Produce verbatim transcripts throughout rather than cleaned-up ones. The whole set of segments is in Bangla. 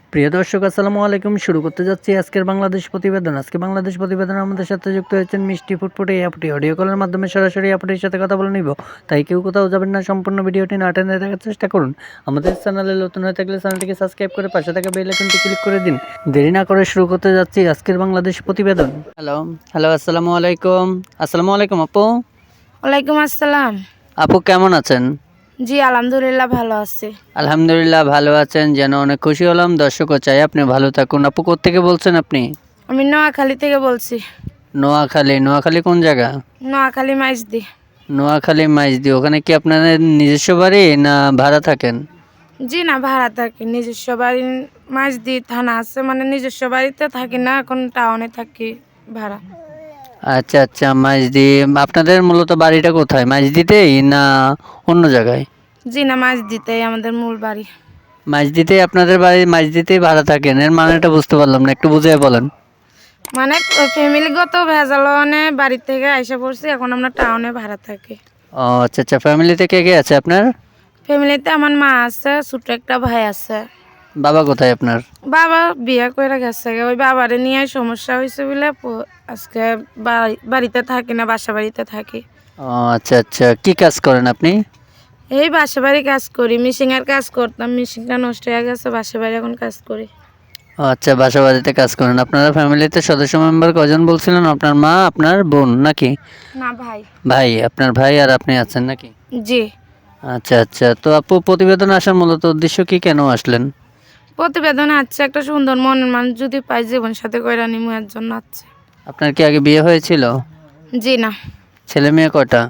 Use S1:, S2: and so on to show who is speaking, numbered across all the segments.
S1: প্রিয় দর্শক আসসালামু আলাইকুম। শুরু করতে যাচ্ছি আজকের বাংলাদেশ প্রতিবেদন। আজকে বাংলাদেশ প্রতিবেদনে আমাদের সাথে যুক্ত হয়েছেন মিষ্টি ফুটফুটে এই আপুটি। অডিও কলের মাধ্যমে সরাসরি আপুটির সাথে কথা বলে নিব, তাই কেউ কোথাও যাবেন না, সম্পূর্ণ ভিডিওটি না টেনে দেখার চেষ্টা করুন। আমাদের চ্যানেলে নতুন হয়ে থাকলে চ্যানেলটিকে সাবস্ক্রাইব করে পাশে থাকা বেল আইকনটি ক্লিক করে দিন। দেরি না করে শুরু করতে যাচ্ছি আজকের বাংলাদেশ প্রতিবেদন। হ্যালো হ্যালো আসসালামু আলাইকুম। আসসালামু আলাইকুম আপু।
S2: ওয়ালাইকুম আসসালাম।
S1: আপু কেমন আছেন?
S2: জি আলহামদুলিল্লাহ ভালো আছি।
S1: আলহামদুলিল্লাহ ভালো আছেন, যেন অনেক খুশি হলাম। দর্শকও চাই আপনি ভালো থাকুন। আপু কোত্থেকে বলছেন আপনি?
S2: আমি নোয়াখালী থেকে বলছি।
S1: নোয়াখালী। নোয়াখালী কোন জায়গা?
S2: নোয়াখালী মাইজদি।
S1: নোয়াখালী মাইজদি। ওখানে কি আপনাদের নিজস্ব বাড়ি না ভাড়া থাকেন?
S2: জি না, ভাড়া থাকি। নিজস্ব বাড়ি মাইজদি থানা আছে, মানে নিজস্ব বাড়িতে থাকি না, এখন টাউনে থাকি ভাড়া।
S1: আচ্ছা আচ্ছা, মাইজদি। আপনাদের মূলত বাড়িটা কোথায়, মাইজদিতেই না অন্য জায়গায়?
S2: জি না, মাইজদিতেই আমাদের মূল বাড়ি।
S1: মাইজদিতেই আপনাদের বাড়ি, মাইজদিতেই ভাড়া থাকেন? এর মানেটা বুঝতে পারলাম না, একটু বুঝিয়ে বলেন।
S2: মানে ফ্যামিলিগত ভেজালনে বাড়ি থেকে আইসা পড়ছি, এখন আমরা টাউনে ভাড়া থাকি।
S1: ও আচ্ছা আচ্ছা। ফ্যামিলিতে কে কে আছে আপনার?
S2: ফ্যামিলিতে আমার মা আছে, ছোট একটা ভাই আছে।
S1: বাবা কোথায় আপনার?
S2: বাবা বিয়ে করে গেছে, ওই বাবারে নিয়ে সমস্যা হয়েছে বলে প- আজকে বাড়ি- বাড়িতে থাকি না, বাসা বাড়িতে থাকি।
S1: ও আচ্ছা আচ্ছা। কি কাজ করেন আপনি?
S2: এই বাসা বাড়ি কাজ করি, মিশিংয়ের কাজ করতাম, মিশিংটা নষ্ট হয়ে গেছে, বাসা বাড়ি এখন কাজ করি।
S1: ও আচ্ছা, বাসা বাড়িতে কাজ করেন। আপনারা ফ্যামিলিতে সদস্য মেম্বার কজন বলছিলেন? আপনার মা, আপনার বোন নাকি?
S2: না ভাই।
S1: ভাই, আপনার ভাই আর আপনি আছেন নাকি?
S2: জি।
S1: আচ্ছা আচ্ছা। তো আপু প্রতিবেদন আসার মূলত উদ্দেশ্য কি, কেন আসলেন?
S2: প্রতিবেদনে আছে একটা সুন্দর মনের মানুষ যদি পাই, জীবন সাথে কইরা নিমু, এর জন্য আছে।
S1: আপনার কি আগে বিয়ে হয়েছিল?
S2: জি না।
S1: ছেলে মেয়ে কটা?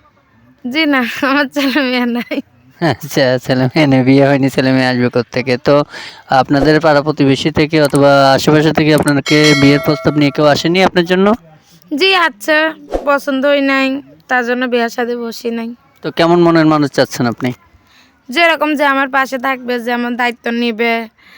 S2: জি না, আমার ছেলে মেয়ে নাই।
S1: আচ্ছা, ছেলে মেয়ে নেই, বিয়ে হয়নি, ছেলে মেয়ে আসবে কোত্থেকে? তো আপনাদের পাড়া প্রতিবেশী থেকে অথবা আশেপাশে থেকে আপনাকে বিয়ের প্রস্তাব নিয়ে কেউ আসেনি আপনার জন্য?
S2: জি আছে, পছন্দই নাই, তার জন্য বিয়ের সাথে বসি নাই।
S1: তো কেমন মনের মানুষ চাচ্ছেন আপনি?
S2: যেরকম যে আমার পাশে থাকবে, যে আমার দায়িত্ব নিবে,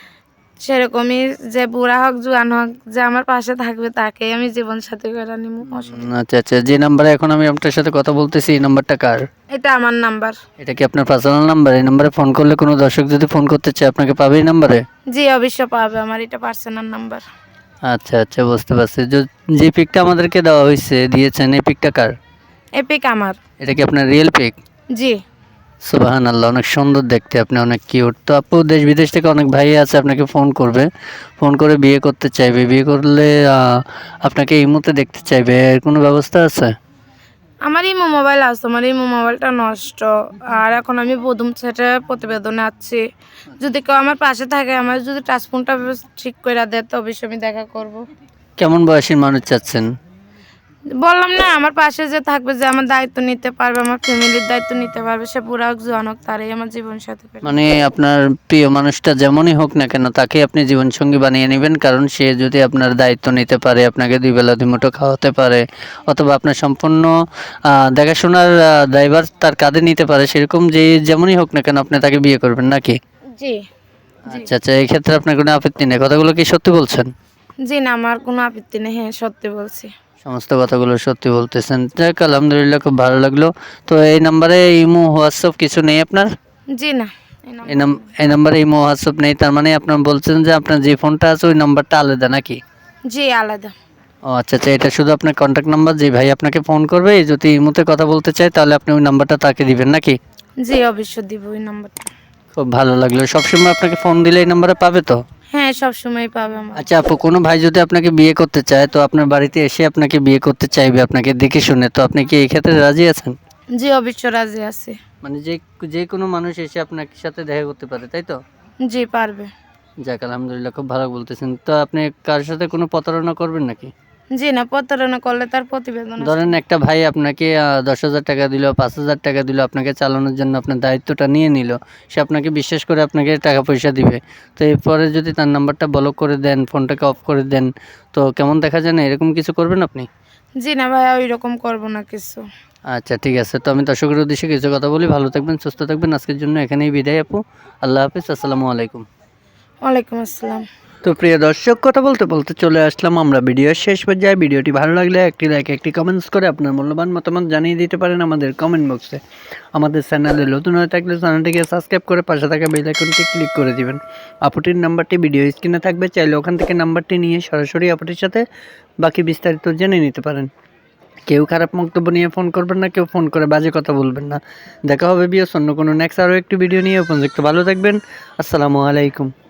S2: সেরকমই, যে বুড়া হোক জোয়ান হোক, যে আমার পাশে থাকবে তাকেই আমি জীবন সাথী করে নিব।
S1: উম, আচ্ছা আচ্ছা। যে নাম্বারে এখন আমি আপনার সাথে কথা বলতেছি, এই নাম্বারটা কার?
S2: এটা আমার নাম্বার।
S1: এটা কি আপনার পার্সোনাল নাম্বার? এই নাম্বারে ফোন করলে কোনো দর্শক যদি ফোন করতে চায় আপনাকে পাবে এই নাম্বারে?
S2: জি অবশ্য পাবে, আমার এটা পার্সোনাল নাম্বার।
S1: আচ্ছা আচ্ছা, বুঝতে পারছি। যে- যে পিকটা আমাদেরকে দেওয়া হয়েছে, দিয়েছেন, এই পিকটা কার?
S2: এপিক আমার।
S1: এটা কি আপনার রিয়েল পিক?
S2: জি।
S1: সুবাহান আল্লাহ, অনেক সুন্দর দেখতে, আপনি অনেক কিউট। তো আপু দেশ বিদেশ থেকে অনেক ভাই আছে আপনাকে ফোন করবে, ফোন করে বিয়ে করতে চাইবে। বিয়ে করলে আহ, আপনাকে এই মুহূর্তে দেখতে চাইবে, এর কোনো ব্যবস্থা আছে?
S2: আমার ইমো মোবাইল আছে, আমার ইমো মোবাইলটা নষ্ট। আর এখন আমি প্রথম সেটে প্রতিবেদনে আছি, যদি কেউ আমার পাশে থাকে, আমার যদি টাচফোনটা ঠিক করে দেয়, তো অবশ্যই আমি দেখা করব।
S1: কেমন বয়সী মানুষ চাচ্ছেন?
S2: বললাম না, আমার পাশে যে থাকবে, যে আমার দায়িত্ব নিতে পারবে, আমার ফ্যামিলির দায়িত্ব নিতে পারবে, সে বুড়া হোক জোয়ান হোক, তারই আমার জীবন সাথী করে।
S1: মানে আপনার প্রিয় মানুষটা যেমনই হোক না কেন, তাকে আপনি জীবনসঙ্গী বানিয়ে নেবেন, কারণ সে যদি আপনার দায়িত্ব নিতে পারে, আপনাকে দুই বেলা দুই মুঠো খাওয়াতে পারে, অথবা আপনার সম্পূর্ণ আহ, দেখাশোনার আহ, দায়ভার তার কাঁধে নিতে পারে, সেরকম যে যেমনই হোক না কেন আপনি তাকে বিয়ে করবেন নাকি?
S2: জি। জি।
S1: আচ্ছা আচ্ছা, এই ক্ষেত্রে আপনার কোনো আপত্তি নেই? কথাগুলো কি সত্যি বলছেন?
S2: জি না, আমার কোনো আপত্তি নেই, হ্যাঁ সত্যি বলছি।
S1: সমস্ত কথাগুলো সত্যি বলতেছেন। যাক আলহামদুলিল্লাহ, খুব ভালো লাগলো। তো এই নাম্বারে ইমো হোয়াটসঅ্যাপ কিছু নেই আপনার?
S2: জি না, এই
S1: এই
S2: নাম্বার
S1: নাম
S2: নেই।
S1: এই নাম্বারে ইমো হোয়াটসঅ্যাপ নেই, তার মানে আপনার বলছেন যে আপনার যে ফোনটা আছে ওই নাম্বারটা আলাদা নাকি?
S2: জি আলাদা।
S1: ও আচ্ছা আচ্ছা, এটা শুধু আপনার কন্ট্যাক্ট নাম্বার। যে ভাই আপনাকে ফোন করবে, যদি ইমোতে কথা বলতে চায়, তাহলে আপনি ওই নাম্বারটা তাকে দিবেন নাকি?
S2: জি অবশ্য দিব ওই নাম্বারটা।
S1: খুব ভালো লাগলো। সবসময় আপনাকে ফোন দিলে এই নাম্বারে পাবে তো?
S2: হ্যাঁ সব সময় পাবে আমার।
S1: আচ্ছা আপু, কোনো ভাই যদি আপনাকে বিয়ে করতে চায়, তো আপনার বাড়িতে এসে আপনাকে বিয়ে করতে চাইবে আপনাকে দেখে শুনে, তো আপনি কি এই ক্ষেত্রে রাজি আছেন?
S2: জি অবশ্য রাজি আছে।
S1: মানে যে যে কোনো মানুষ এসে আপনার সাথে দেখা করতে পারে, তাই তো?
S2: জি পারবে।
S1: যাক আলহামদুলিল্লাহ, খুব ভালো বলতেছেন। তো আপনি কার সাথে কোনো প্রতারণা করবেন নাকি?
S2: জি না, প্রতারণা করলে তার প্রতিবেদন আছে।
S1: ধরেন একটা ভাই আপনাকে আহ, দশ হাজার টাকা দিল, পাঁচ হাজার টাকা দিল, আপনাকে চালানোর জন্য আপনার দায়িত্বটা নিয়ে নিল, সে আপনাকে বিশ্বাস করে আপনাকে টাকা পয়সা দিবে। তো এরপরে যদি তার নাম্বারটা ব্লক করে দেন, ফোনটাকে অফ করে দেন, তো কেমন দেখা যায় না? এরকম কিছু করবেন আপনি?
S2: জি না ভাইয়া, ওই রকম করবো না কিছু।
S1: আচ্ছা ঠিক আছে। তো আমি দর্শকের উদ্দেশ্যে কিছু কথা বলি। ভালো থাকবেন, সুস্থ থাকবেন। আজকের জন্য এখানেই বিদায় আপু। আল্লাহ হাফিজ, আসসালামু আলাইকুম।
S2: ওয়ালাইকুম আসসালাম।
S1: তো প্রিয় দর্শক, কথা বলতে বলতে চলে আসলাম আমরা ভিডিওর শেষ পর্যায়ে। ভিডিওটি ভালো লাগলে একটি লাইক, একটি কমেন্টস করে আপনার মূল্যবান মতামত জানিয়ে দিতে পারেন আমাদের কমেন্ট বক্সে। আমাদের চ্যানেলে নতুন হয়ে থাকলে চ্যানেলটিকে সাবস্ক্রাইব করে পাশে থাকা বেল আইকনটি ক্লিক করে দিবেন। আপুটির নাম্বারটি ভিডিও স্ক্রিনে থাকবে, চাইলে ওখান থেকে নাম্বারটি নিয়ে সরাসরি আপুটির সাথে বাকি বিস্তারিত জেনে নিতে পারেন। কেউ খারাপ বক্তব্য নিয়ে ফোন করবেন না, কেউ ফোন করে বাজে কথা বলবেন না। দেখা হবে বিয়স অন্য কোনো নেক্সট আরও একটি ভিডিও নিয়ে। উপযুক্ত ভালো থাকবেন। আসসালামু আলাইকুম।